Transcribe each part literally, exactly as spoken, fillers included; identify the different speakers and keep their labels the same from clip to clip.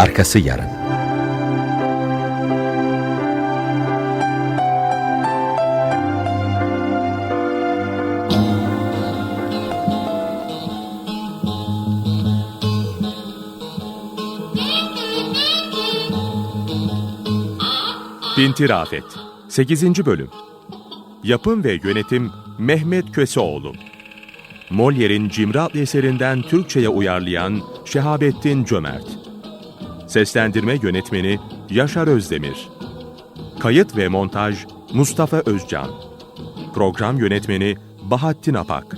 Speaker 1: Arkası yarın.
Speaker 2: Pinti Rafet sekizinci Bölüm. Yapım ve yönetim Mehmet Köseoğlu. Molière'in Cimri adlı eserinden Türkçe'ye uyarlayan Şehabettin Cömert. Seslendirme yönetmeni Yaşar Özdemir. Kayıt ve montaj Mustafa Özcan. Program yönetmeni Bahattin Apak.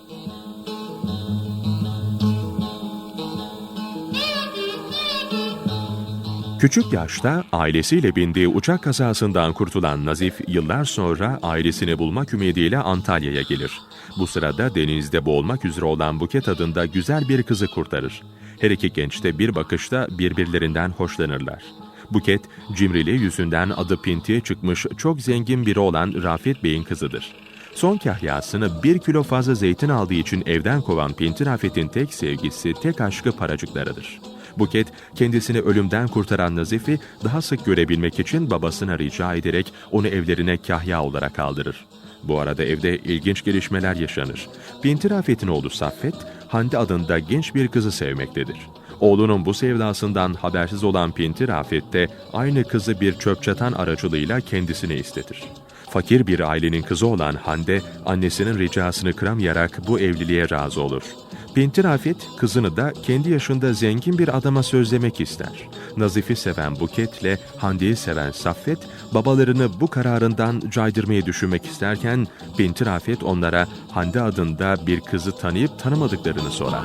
Speaker 2: Küçük yaşta ailesiyle bindiği uçak kazasından kurtulan Nazif yıllar sonra ailesini bulmak ümidiyle Antalya'ya gelir. Bu sırada denizde boğulmak üzere olan Buket adında güzel bir kızı kurtarır. Her iki genç de bir bakışta birbirlerinden hoşlanırlar. Buket, cimriliği yüzünden adı pintiye çıkmış çok zengin biri olan Rafet Bey'in kızıdır. Son kahyasını bir kilo fazla zeytin aldığı için evden kovan Pinti Rafet'in tek sevgisi, tek aşkı paracıklarıdır. Buket, kendisini ölümden kurtaran Nazif'i daha sık görebilmek için babasına rica ederek onu evlerine kahya olarak aldırır. Bu arada evde ilginç gelişmeler yaşanır. Pinti Rafet'in oğlu Saffet, Hande adında genç bir kızı sevmektedir. Oğlunun bu sevdasından habersiz olan Pinti Rafet de aynı kızı bir çöp çatan aracılığıyla kendisine istetir. Fakir bir ailenin kızı olan Hande, annesinin ricasını kıramayarak bu evliliğe razı olur. Pinti Rafet, kızını da kendi yaşında zengin bir adama sözlemek ister. Nazif'i seven Buket'le Hande'yi seven Saffet, babalarını bu kararından caydırmayı düşünmek isterken, Pinti Rafet onlara Hande adında bir kızı tanıyıp tanımadıklarını sorar.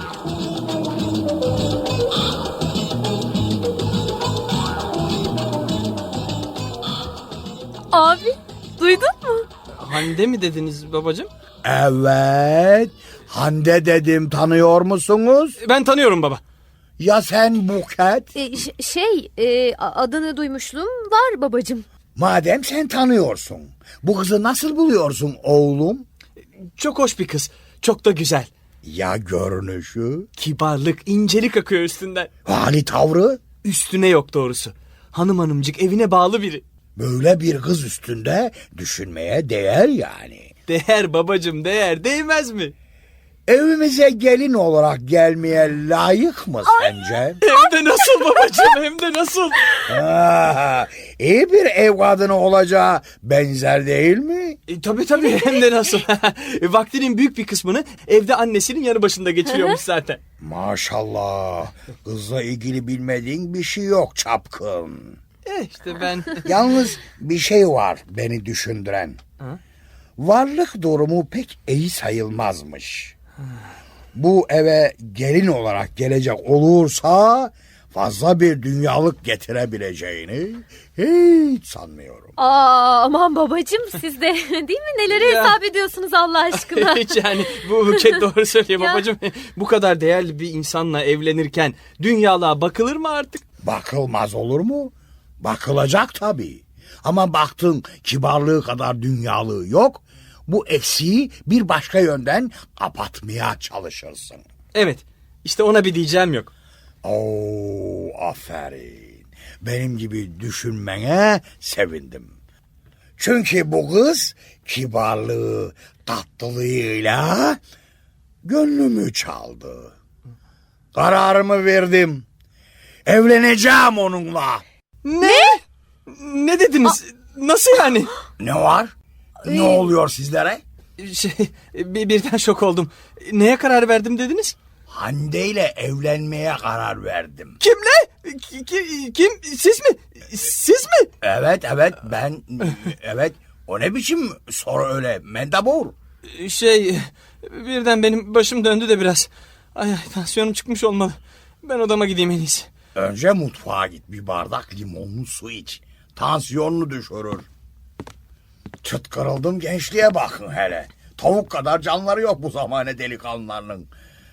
Speaker 3: Abi, duydun mu?
Speaker 4: Hande mi dediniz babacığım?
Speaker 5: Evet. Hande dedim, tanıyor musunuz?
Speaker 4: Ben tanıyorum baba.
Speaker 5: Ya sen Buket?
Speaker 3: E, ş- şey, e, a- adını duymuşluğum var babacığım.
Speaker 5: Madem sen tanıyorsun, bu kızı nasıl buluyorsun oğlum?
Speaker 4: Çok hoş bir kız. Çok da güzel.
Speaker 5: Ya görünüşü?
Speaker 4: Kibarlık, incelik akıyor üstünden.
Speaker 5: Hali tavrı?
Speaker 4: Üstüne yok doğrusu. Hanım hanımcık evine bağlı biri.
Speaker 5: Böyle bir kız üstünde düşünmeye değer yani.
Speaker 4: Değer babacığım değer. Değmez mi?
Speaker 5: Evimize gelin olarak gelmeye layık mı sence?
Speaker 4: Hem de nasıl babacığım hem de nasıl?
Speaker 5: Ha, iyi bir ev kadını olacağı benzer değil mi?
Speaker 4: E, tabii tabii hem de nasıl? E, vaktinin büyük bir kısmını evde annesinin yanı başında geçiriyormuş zaten.
Speaker 5: Maşallah. Kızla ilgili bilmediğin bir şey yok çapkın.
Speaker 4: E işte ben...
Speaker 5: Yalnız bir şey var beni düşündüren.
Speaker 4: Ha?
Speaker 5: Varlık durumu pek iyi sayılmazmış. Bu eve gelin olarak gelecek olursa fazla bir dünyalık getirebileceğini hiç sanmıyorum.
Speaker 3: Aa, aman babacığım siz de değil mi? Neleri
Speaker 4: Ya.
Speaker 3: hesap ediyorsunuz Allah aşkına?
Speaker 4: Hiç yani bu Buket doğru söylüyor
Speaker 3: Ya.
Speaker 4: babacığım. Bu kadar değerli bir insanla evlenirken dünyalığa bakılır mı artık?
Speaker 5: Bakılmaz olur mu? Bakılacak tabii. Ama baktın kibarlığı kadar dünyalığı yok. Bu eksiği bir başka yönden kapatmaya çalışırsın.
Speaker 4: Evet işte ona bir diyeceğim yok.
Speaker 5: Oo, aferin. Benim gibi düşünmene sevindim. Çünkü bu kız kibarlığı, tatlılığıyla gönlümü çaldı. Kararımı verdim. Evleneceğim onunla.
Speaker 4: Ne? Ne dediniz? Nasıl yani?
Speaker 5: Ne var? Ne oluyor sizlere?
Speaker 4: Şey, bir, birden şok oldum. Neye karar verdim dediniz?
Speaker 5: Hande ile evlenmeye karar verdim.
Speaker 4: Kimle? Ki- ki- Kim? Siz mi? Siz mi?
Speaker 5: Evet evet ben evet o ne biçim soru öyle mendebur.
Speaker 4: Şey, birden benim başım döndü de biraz. Ay ay tansiyonum çıkmış olmalı. Ben odama gideyim en iyisi.
Speaker 5: Önce mutfağa git bir bardak limonlu su iç. Tansiyonunu düşürür. Çıt kırıldım gençliğe bakın hele. Tavuk kadar canları yok bu zamane delikanlılarının.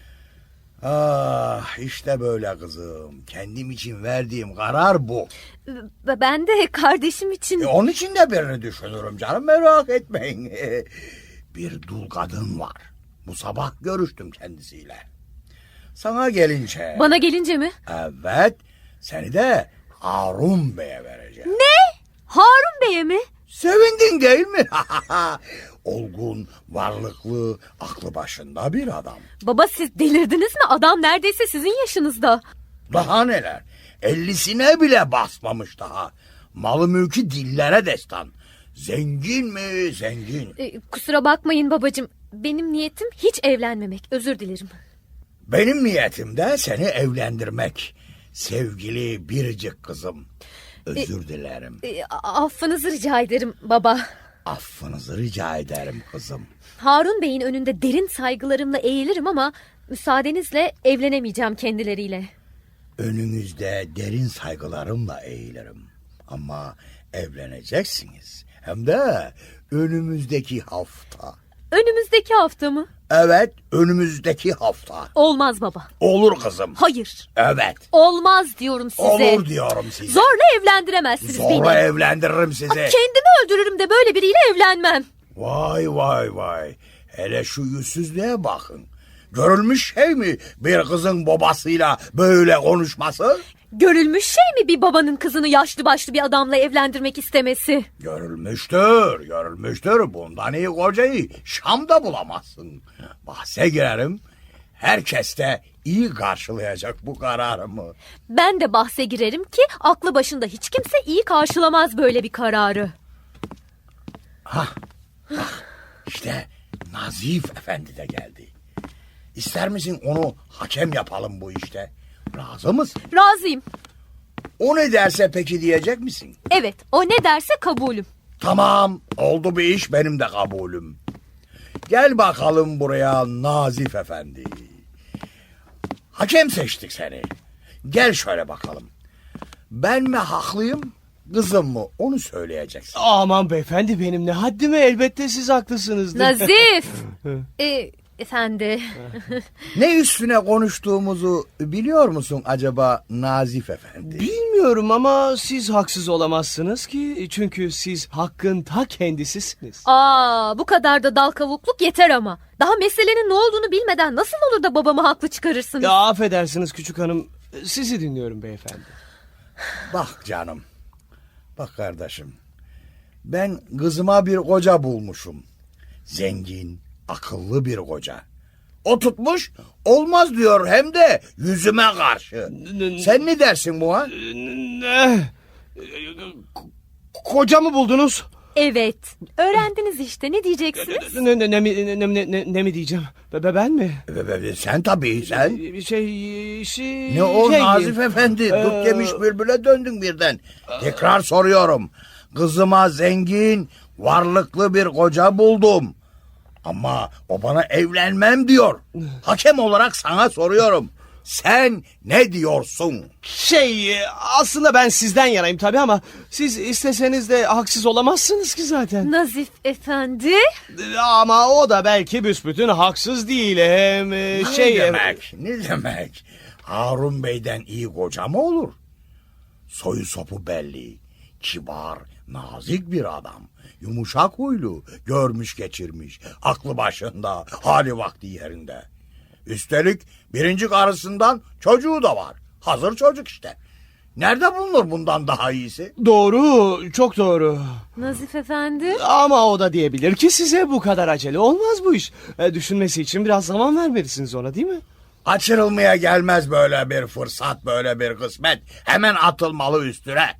Speaker 5: Ah işte böyle kızım. Kendim için verdiğim karar bu.
Speaker 3: B- Ben de kardeşim için...
Speaker 5: E, onun için de birini düşünürüm canım merak etmeyin. Bir dul kadın var. Bu sabah görüştüm kendisiyle. Sana gelince...
Speaker 3: Bana gelince mi?
Speaker 5: Evet. Seni de Harun Bey'e vereceğim.
Speaker 3: Harun Bey'e mi?
Speaker 5: Sevindin değil mi? Olgun, varlıklı, aklı başında bir adam.
Speaker 3: Baba siz delirdiniz mi? Adam neredeyse sizin yaşınızda.
Speaker 5: Daha neler? Ellisine bile basmamış daha. Malı mülkü dillere destan. Zengin mi zengin?
Speaker 3: Ee, kusura bakmayın babacığım. Benim niyetim hiç evlenmemek. Özür dilerim.
Speaker 5: Benim niyetim de seni evlendirmek. Sevgili biricik kızım. Özür dilerim.
Speaker 3: Ee, a- affınızı rica ederim baba.
Speaker 5: Affınızı rica ederim kızım.
Speaker 3: Harun Bey'in önünde derin saygılarımla eğilirim ama müsaadenizle evlenemeyeceğim kendileriyle.
Speaker 5: Önünüzde derin saygılarımla eğilirim. Ama evleneceksiniz. Hem de önümüzdeki hafta.
Speaker 3: Önümüzdeki hafta mı?
Speaker 5: Evet, önümüzdeki hafta.
Speaker 3: Olmaz baba.
Speaker 5: Olur kızım.
Speaker 3: Hayır.
Speaker 5: Evet.
Speaker 3: Olmaz diyorum size.
Speaker 5: Olur diyorum size.
Speaker 3: Zorla evlendiremezsiniz
Speaker 5: Zorla
Speaker 3: beni.
Speaker 5: evlendiririm sizi.
Speaker 3: Kendimi öldürürüm de böyle biriyle evlenmem.
Speaker 5: Vay vay vay. Hele şu yüzsüzlüğe bakın. Görülmüş şey mi bir kızın babasıyla böyle konuşması?
Speaker 3: Görülmüş şey mi bir babanın kızını yaşlı başlı bir adamla evlendirmek istemesi?
Speaker 5: Görülmüştür, görülmüştür. Bundan iyi kocayı Şam'da bulamazsın. Bahse girerim. Herkes de iyi karşılayacak bu kararımı.
Speaker 3: Ben de bahse girerim ki aklı başında hiç kimse iyi karşılamaz böyle bir kararı.
Speaker 5: Hah, bak işte Nazif Efendi de geldi. İster misin onu hakem yapalım bu işte? Razı mısın?
Speaker 3: Razıyım.
Speaker 5: O ne derse peki diyecek misin?
Speaker 3: Evet, o ne derse kabulüm.
Speaker 5: Tamam, oldu bir iş, benim de kabulüm. Gel bakalım buraya Nazif Efendi. Hakem seçtik seni. Gel şöyle bakalım. Ben mi haklıyım, kızım mı? Onu söyleyeceksin.
Speaker 4: Aman beyefendi benim ne haddime, elbette siz haklısınızdır.
Speaker 3: Nazif. e, efendi.
Speaker 5: Ne üstüne konuştuğumuzu biliyor musun acaba Nazif Efendi?
Speaker 4: Bilmiyorum ama siz haksız olamazsınız ki, çünkü siz hakkın ta kendisisiniz.
Speaker 3: Aa, bu kadar da dal kavukluk yeter ama. Daha meselenin ne olduğunu bilmeden nasıl olur da babamı haklı çıkarırsınız?
Speaker 4: Ya affedersiniz küçük hanım, sizi dinliyorum beyefendi.
Speaker 5: Bak canım, bak kardeşim. Ben kızıma bir koca bulmuşum. Zengin, akıllı bir koca. O tutmuş, olmaz diyor hem de yüzüme karşı. Sen ne dersin buna?
Speaker 4: Ne? Koca mı buldunuz?
Speaker 3: Evet. Öğrendiniz işte. Ne diyeceksiniz?
Speaker 4: Ne, ne, ne, mi- ne, ne, ne, ne mi diyeceğim? Be, be- ben mi?
Speaker 5: Be- be- be, Sen tabii sen.
Speaker 4: Bir şey, şey...
Speaker 5: Ne o
Speaker 4: şey
Speaker 5: Nazif
Speaker 4: diyeyim.
Speaker 5: Efendi?
Speaker 4: Ee,
Speaker 5: Dut yemiş bülbüle döndün birden. Tekrar soruyorum. Kızıma zengin, varlıklı bir koca buldum. Ama o bana evlenmem diyor. Hakem olarak sana soruyorum. Sen ne diyorsun?
Speaker 4: Şey, aslında ben sizden yanayım tabii ama siz isteseniz de haksız olamazsınız ki zaten.
Speaker 3: Nazif efendi.
Speaker 4: Ama o da belki büsbütün haksız değil. Hem e, şey...
Speaker 5: Ne demek? Ne demek? Harun Bey'den iyi koca mı olur? Soyu sopu belli. Kibar, nazik bir adam. Yumuşak huylu, görmüş geçirmiş. Aklı başında, hali vakti yerinde. Üstelik birinci karısından çocuğu da var. Hazır çocuk işte. Nerede bulunur bundan daha iyisi?
Speaker 4: Doğru, çok doğru.
Speaker 3: Nazif efendi.
Speaker 4: Ama o da diyebilir ki size bu kadar acele olmaz bu iş. E, düşünmesi için biraz zaman vermelisiniz ona, değil mi?
Speaker 5: Açırılmaya gelmez böyle bir fırsat, böyle bir kısmet. Hemen atılmalı üstüne.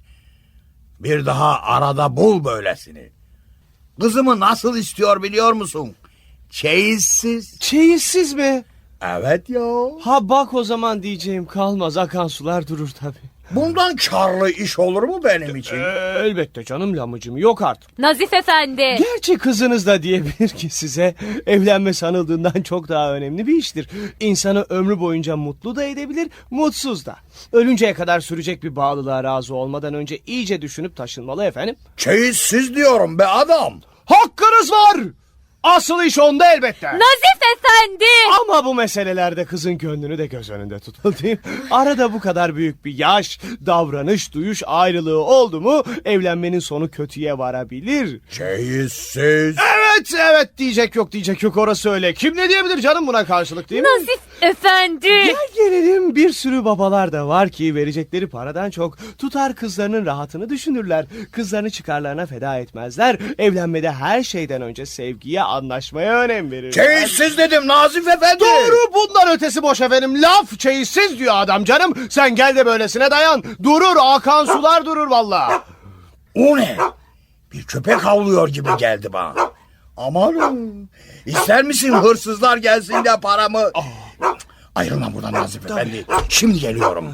Speaker 5: Bir daha arada bul böylesini. Kızımı nasıl istiyor biliyor musun? Çeyizsiz.
Speaker 4: Çeyizsiz mi?
Speaker 5: Evet ya.
Speaker 4: Ha bak, o zaman diyeceğim kalmaz, akan sular durur tabii.
Speaker 5: Bundan karlı iş olur mu benim için?
Speaker 4: E, elbette canım lamıcım, yok artık.
Speaker 3: Nazif efendi.
Speaker 4: Gerçi kızınız da diyebilir ki size evlenme sanıldığından çok daha önemli bir iştir. İnsanı ömrü boyunca mutlu da edebilir, mutsuz da. Ölünceye kadar sürecek bir bağlılığa razı olmadan önce iyice düşünüp taşınmalı efendim.
Speaker 5: Çeyizsiz diyorum be adam.
Speaker 4: Hakkınız var! Asıl iş onda elbette.
Speaker 3: Nazif efendi.
Speaker 4: Ama bu meselelerde kızın gönlünü de göz önünde tutun, değil mi? Arada bu kadar büyük bir yaş, davranış, duyuş ayrılığı oldu mu evlenmenin sonu kötüye varabilir.
Speaker 5: Çeyizsiz.
Speaker 4: Evet, evet diyecek yok, diyecek yok, orası öyle. Kim ne diyebilir canım buna karşılık, değil mi?
Speaker 3: Nazif Efendi.
Speaker 4: Gel gelelim, bir sürü babalar da var ki verecekleri paradan çok tutar kızlarının rahatını düşünürler. Kızlarını çıkarlarına feda etmezler. Evlenmede her şeyden önce sevgiye, anlaşmaya önem verirler.
Speaker 5: Çeyizsiz dedim Nazif Efendi.
Speaker 4: Doğru, bundan ötesi boş efendim. Laf çeyizsiz diyor adam canım. Sen gel de böylesine dayan. Durur, akan sular durur valla.
Speaker 5: O ne? Bir köpek havlıyor gibi geldi bana. Amanım. İster misin hırsızlar gelsin de paramı... Ayrılma buradan Nazif Efendi. Şimdi geliyorum.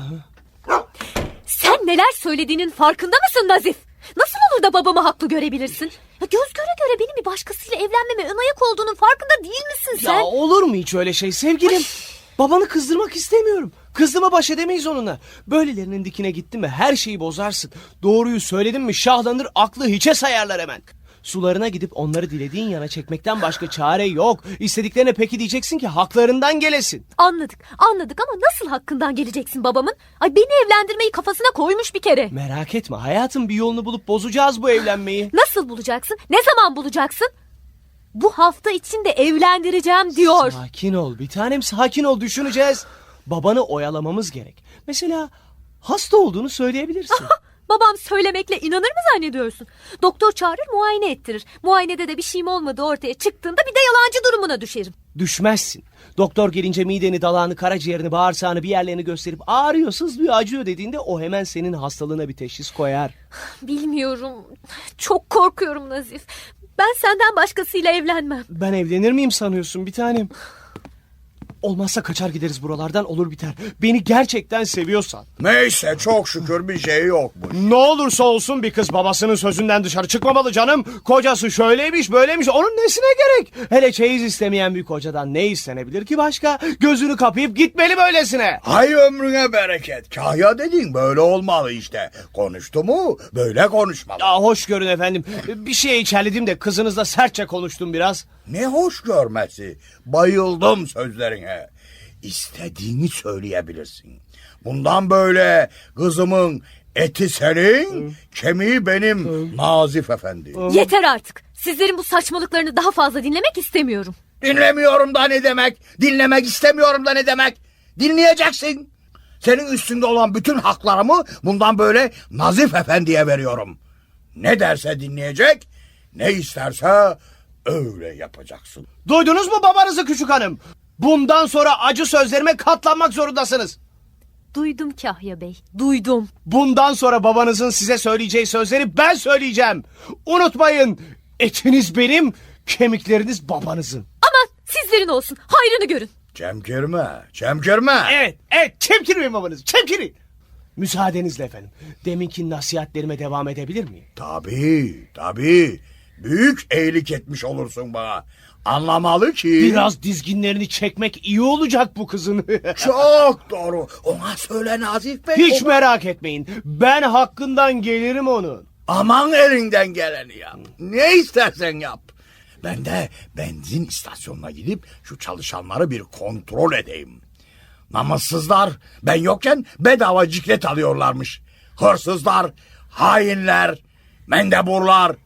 Speaker 3: Sen neler söylediğinin farkında mısın Nazif? Nasıl olur da babamı haklı görebilirsin? Ya göz göre göre benim bir başkasıyla evlenmeme ön ayak olduğunun farkında değil misin sen?
Speaker 4: Ya olur mu hiç öyle şey sevgilim? Babanı kızdırmak istemiyorum. Kızdırma baş edemeyiz onunla. Böylelerinin dikine gittin mi her şeyi bozarsın. Doğruyu söyledin mi şahlanır, aklı hiçe sayarlar hemen. Sularına gidip onları dilediğin yana çekmekten başka çare yok. İstediklerine peki diyeceksin ki haklarından gelesin.
Speaker 3: Anladık anladık ama nasıl hakkından geleceksin babamın? Ay beni evlendirmeyi kafasına koymuş bir kere.
Speaker 4: Merak etme hayatım, bir yolunu bulup bozacağız bu evlenmeyi.
Speaker 3: Nasıl bulacaksın? Ne zaman bulacaksın? Bu hafta içinde evlendireceğim diyor.
Speaker 4: Sakin ol bir tanem, sakin ol, düşüneceğiz. Babanı oyalamamız gerek. Mesela hasta olduğunu söyleyebilirsin.
Speaker 3: Babam söylemekle inanır mı zannediyorsun? Doktor çağırır, muayene ettirir. Muayenede de bir şeyim olmadığı ortaya çıktığında bir de yalancı durumuna düşerim.
Speaker 4: Düşmezsin. Doktor gelince mideni, dalağını, karaciğerini, bağırsağını, bir yerlerini gösterip ağrıyor, sızlıyor, acıyor dediğinde o hemen senin hastalığına bir teşhis koyar.
Speaker 3: Bilmiyorum. Çok korkuyorum Nazif. Ben senden başkasıyla evlenmem.
Speaker 4: Ben evlenir miyim sanıyorsun bir tanem? Olmazsa kaçar gideriz buralardan, olur biter. Beni gerçekten seviyorsan.
Speaker 5: Neyse çok şükür bir şey yokmuş.
Speaker 4: Ne olursa olsun bir kız babasının sözünden dışarı çıkmamalı canım. Kocası şöyleymiş böyleymiş, onun nesine gerek? Hele çeyiz istemeyen bir kocadan ne istenebilir ki başka? Gözünü kapayıp gitmeli böylesine.
Speaker 5: Hay ömrüne bereket. Kahya dediğin böyle olmalı işte. Konuştu mu böyle konuşmalı.
Speaker 4: Ya hoş görün efendim. Bir şeye içerledim de kızınızla sertçe konuştum biraz.
Speaker 5: Ne hoş görmesi. Bayıldım sözlerine. İstediğini söyleyebilirsin. Bundan böyle kızımın eti senin, kemiği benim Nazif Efendi.
Speaker 3: Yeter artık. Sizlerin bu saçmalıklarını daha fazla dinlemek istemiyorum.
Speaker 5: Dinlemiyorum da ne demek? Dinlemek istemiyorum da ne demek? Dinleyeceksin. Senin üstünde olan bütün haklarımı bundan böyle Nazif Efendi'ye veriyorum. Ne derse dinleyecek, ne isterse öyle yapacaksın.
Speaker 4: Duydunuz mu babanızı küçük hanım? Bundan sonra acı sözlerime katlanmak zorundasınız.
Speaker 3: Duydum Kahya Bey, duydum.
Speaker 4: Bundan sonra babanızın size söyleyeceği sözleri ben söyleyeceğim. Unutmayın, etiniz benim, kemikleriniz babanızın.
Speaker 3: Aman sizlerin olsun, hayrını görün.
Speaker 5: Çemkirme, çemkirme.
Speaker 4: Evet, evet, çemkirmeyin babanızı, çemkirin. Müsaadenizle efendim, deminki nasihatlerime devam edebilir miyim?
Speaker 5: Tabii, tabii. Büyük iyilik etmiş olursun bana. Anlamalı ki...
Speaker 4: Biraz dizginlerini çekmek iyi olacak bu kızın.
Speaker 5: Çok doğru. Ona söyle Nazif Bey.
Speaker 4: Hiç
Speaker 5: O-
Speaker 4: merak etmeyin, ben hakkından gelirim onun.
Speaker 5: Aman elinden geleni yap. Ne istersen yap. Ben de benzin istasyonuna gidip şu çalışanları bir kontrol edeyim. Namussuzlar ben yokken bedava ciklet alıyorlarmış. Hırsızlar, hainler, mendeburlar.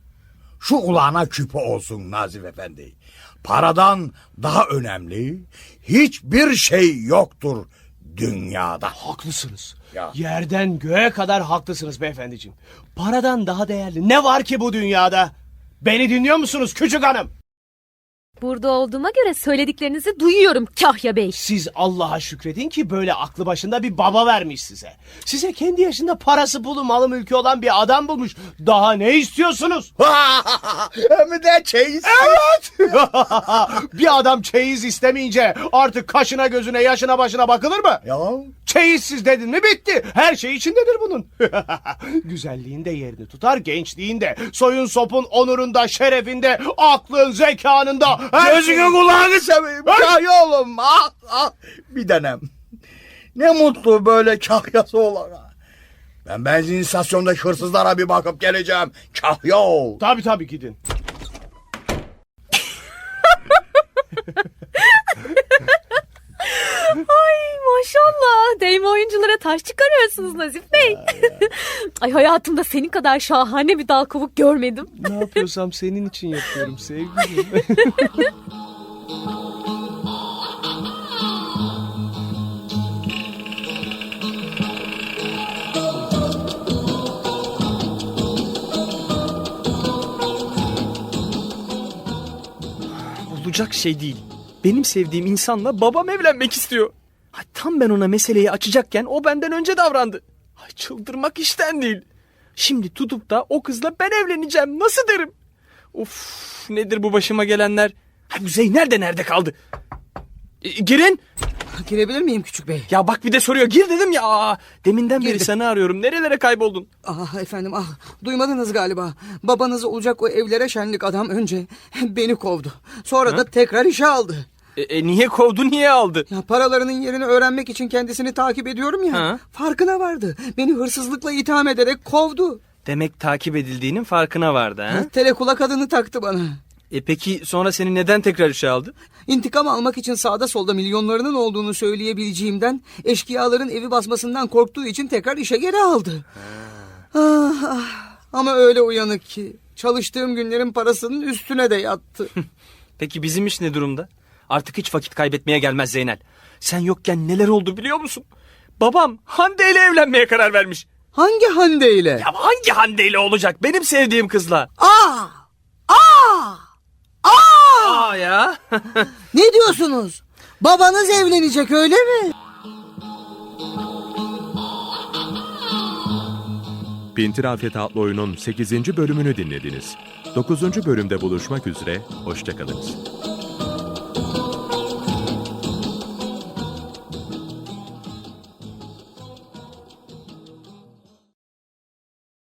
Speaker 5: Şu ulağına küpe olsun Nazif Efendi. Paradan daha önemli hiçbir şey yoktur dünyada.
Speaker 4: Haklısınız.
Speaker 5: Ya.
Speaker 4: Yerden göğe kadar haklısınız beyefendiciğim. Paradan daha değerli ne var ki bu dünyada? Beni dinliyor musunuz küçük hanım?
Speaker 3: Burada olduğuma göre söylediklerinizi duyuyorum Kahya Bey.
Speaker 4: Siz Allah'a şükredin ki böyle aklı başında bir baba vermiş size. Size kendi yaşında parası pulu malı mülkü olan bir adam bulmuş. Daha ne istiyorsunuz?
Speaker 5: Hem de çeyiz.
Speaker 4: Evet. Bir adam çeyiz istemeyince artık kaşına gözüne yaşına başına bakılır mı?
Speaker 5: Ya.
Speaker 4: Çeyizsiz dedin mi bitti. Her şey içindedir bunun. Güzelliğinde yerini tutar, gençliğinde, soyun sopun onurunda, şerefinde, aklın, zekanında. her
Speaker 5: Gözünü
Speaker 4: şey-
Speaker 5: kulağını seveyim. Kahya oğlum. Ah, ah. Bir denem. Ne mutlu böyle kahyası olana. Ben benzin istasyonundaki hırsızlara bir bakıp geleceğim. Kahya ol.
Speaker 4: Tabii tabii gidin.
Speaker 3: Ay maşallah. Değme oyunculara taş çıkarıyorsunuz Nazif Bey. Ay hayatımda senin kadar şahane bir dal kavuk görmedim.
Speaker 4: Ne yapıyorsam senin için yapıyorum sevgilim.
Speaker 1: olacak şey değil. Benim sevdiğim insanla babam evlenmek istiyor. Ay, tam ben ona meseleyi açacakken o benden önce davrandı. Ay, çıldırmak işten değil. Şimdi tutup da o kızla ben evleneceğim nasıl derim? Of, nedir bu başıma gelenler? Ay, bu Zeynel de nerede kaldı? E, girin.
Speaker 6: Girebilir miyim küçük bey?
Speaker 1: Ya bak bir de soruyor. Gir dedim ya. Aa, deminden beri
Speaker 6: Girdim.
Speaker 1: seni arıyorum. Nerelere kayboldun?
Speaker 6: Ah efendim ah duymadınız galiba. Babanız olacak o evlere şenlik adam önce beni kovdu. Sonra da tekrar işe aldı.
Speaker 1: E, e, niye kovdu, niye aldı?
Speaker 6: Ya paralarının yerini öğrenmek için kendisini takip ediyorum ya.
Speaker 1: Ha?
Speaker 6: Farkına vardı. Beni hırsızlıkla itham ederek kovdu.
Speaker 1: Demek takip edildiğinin farkına vardı ha?
Speaker 6: Telekulak adını taktı bana.
Speaker 1: E peki sonra seni neden tekrar işe aldı?
Speaker 6: İntikam almak için sağda solda milyonlarının olduğunu söyleyebileceğimden, eşkıyaların evi basmasından korktuğu için tekrar işe geri aldı. Ah, ah. Ama öyle uyanık ki çalıştığım günlerin parasının üstüne de yattı.
Speaker 1: Peki bizim iş ne durumda? Artık hiç vakit kaybetmeye gelmez Zeynel. Sen yokken neler oldu biliyor musun? Babam Hande ile evlenmeye karar vermiş.
Speaker 6: Hangi Hande ile?
Speaker 1: Ya hangi Hande ile olacak? Benim sevdiğim kızla.
Speaker 6: Aa! Aa! Aa!
Speaker 1: Aa ya.
Speaker 6: Ne diyorsunuz? Babanız evlenecek öyle mi?
Speaker 2: Pintirafet adlı oyunun sekizinci bölümünü dinlediniz. dokuzuncu bölümde buluşmak üzere, hoşçakalınız.